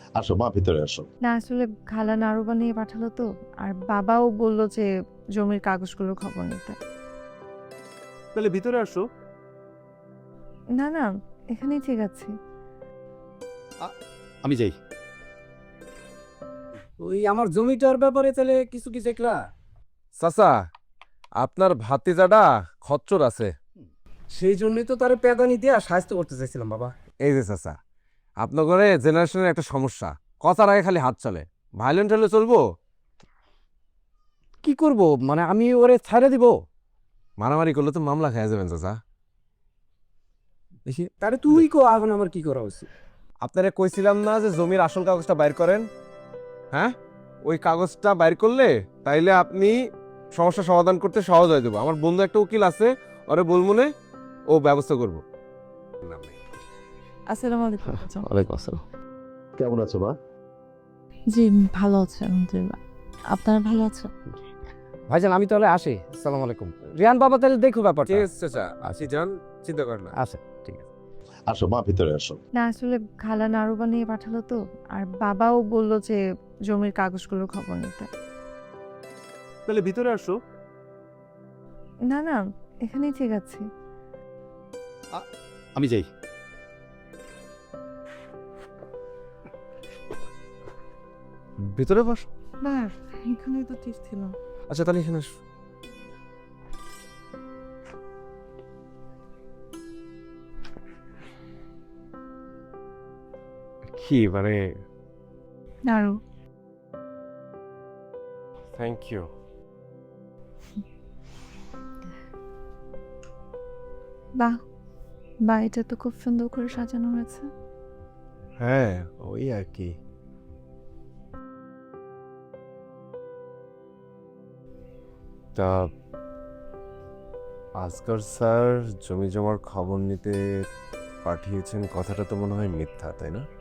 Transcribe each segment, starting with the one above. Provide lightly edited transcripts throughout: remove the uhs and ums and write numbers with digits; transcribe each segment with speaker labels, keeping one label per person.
Speaker 1: আসো মা, ভিতরে আসো।
Speaker 2: না আসলে খালা নাড়ু বানিয়ে পাঠালো তো, আর বাবাও বললো যে জমির কাগজগুলোর খবর নিতে।
Speaker 3: তাহলে ভিতরে আসো।
Speaker 2: না না, এখানেই ঠিক আছে।
Speaker 1: আমি যাই।
Speaker 4: ওই আমার জমিটার ব্যাপারে তাহলে কিছু কি দেখলা?
Speaker 3: চাচা, আপনার ভাতিজাটা খচ্চর আছে।
Speaker 4: সেই জন্যই তো তারে পেদানি দিয়া সাহায্য করতে চাইছিলাম বাবা।
Speaker 3: এই যে চাচা, আপনার ঘরে জেনারেশনের একটা সমস্যা, কথার আগে খালি হাত চলে। ভায়োলেন্ট হলে চলবো?
Speaker 4: কি করব, মানে আমি ওরে ছাড়ে দিব?
Speaker 3: মারামারি করলে তো মামলা খেয়ে যাবেন চাচা।
Speaker 4: দেখি তারে তুই কো, এখন আমার কি করা উচিত?
Speaker 3: আপনারে কইছিলাম না যে জমির আসল কাগজটা বাইর করেন? হ্যাঁ, ওই কাগজটা বাইর করলে তাইলে আপনি সমস্যা সমাধান করতে সহজ হয়ে যাবো। আমার বন্ধু একটা উকিল আছে, ওরে বলমুনে, ও ব্যবস্থা করবো।
Speaker 2: আসসালামু আলাইকুম।
Speaker 4: ওয়ালাইকুম আসসালাম।
Speaker 1: কেমন আছো মা?
Speaker 2: জি ভালো আছে আলহামদুলিল্লাহ। আপনারা ভালো আছেন?
Speaker 4: ভাইজান আমি তাহলে আসি। আসসালামু আলাইকুম। রিয়ান বাবা তাহলে দেখো ব্যাপারটা।
Speaker 3: ঠিক আছে চাচা, আসি যান, চিন্তা করেন না।
Speaker 4: আচ্ছা ঠিক আছে।
Speaker 1: আসো মা, ভিতরে আসো।
Speaker 2: না আসলে খালা নাড়ু বানিয়ে পাঠালো তো, আর বাবাও বললো যে জমির কাগজগুলোর খবর নিতে।
Speaker 3: তাহলে ভিতরে আসো।
Speaker 2: না না, এখানেই ঠিক আছে।
Speaker 1: আমি যাই।
Speaker 3: ভিতরে বস।
Speaker 2: না এখানেই তো ঠিক ছিল।
Speaker 3: আচ্ছা তাহলে এখানে আসো। কি মানে?
Speaker 2: নাড়ু।
Speaker 3: Thank you.
Speaker 2: বাহ, বাড়িটা তো খুব সুন্দর করে সাজানো হয়েছে।
Speaker 3: হ্যাঁ, ওই আর কি। তা আজকার স্যার জমি জমার খবর নিতে পাঠিয়েছেন, কথাটা তো মনে হয় মিথ্যা, তাই না?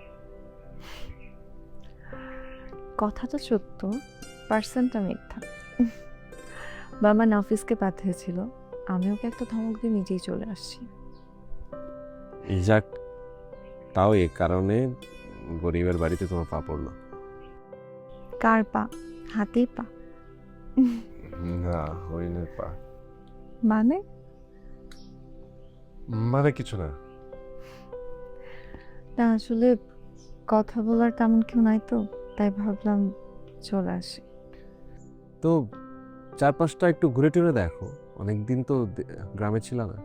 Speaker 2: কথাটা সত্য, পার্সেন্টটা মিথ্যা। বাবা নাফিসকে পাঠিয়েছিল, আমি ওকে একটা ধমক দিয়ে নিজেই চলে আসছি।
Speaker 3: যাক, তাও এ কারণে গরিবের বাড়িতে তোমার পা পড়লো।
Speaker 2: কার পা? হাতেই পা।
Speaker 3: না, হরিণের পা।
Speaker 2: মানে?
Speaker 3: মানে কিছু না।
Speaker 2: না আসলে কথা বলার তেমন কেউ নাই তো, তাই ভাবলাম চলে আসি।
Speaker 3: তো চারপাশটা একটু ঘুরে টুরে দেখো, অনেকদিন তো গ্রামে ছিল না।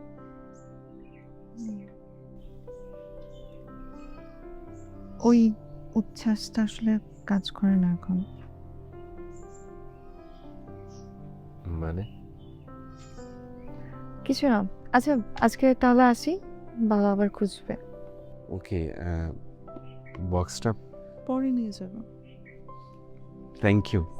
Speaker 2: ওই উচ্ছ্বাসটা আসলে কাজ করে না এখন।
Speaker 3: মানে
Speaker 2: কিছু না। আচ্ছা আজকে তাহলে আসি, বাবা আবার খুঁজবে।
Speaker 3: ওকে, বক্সটা
Speaker 2: পরে নিয়ে যাবো।
Speaker 3: Thank you.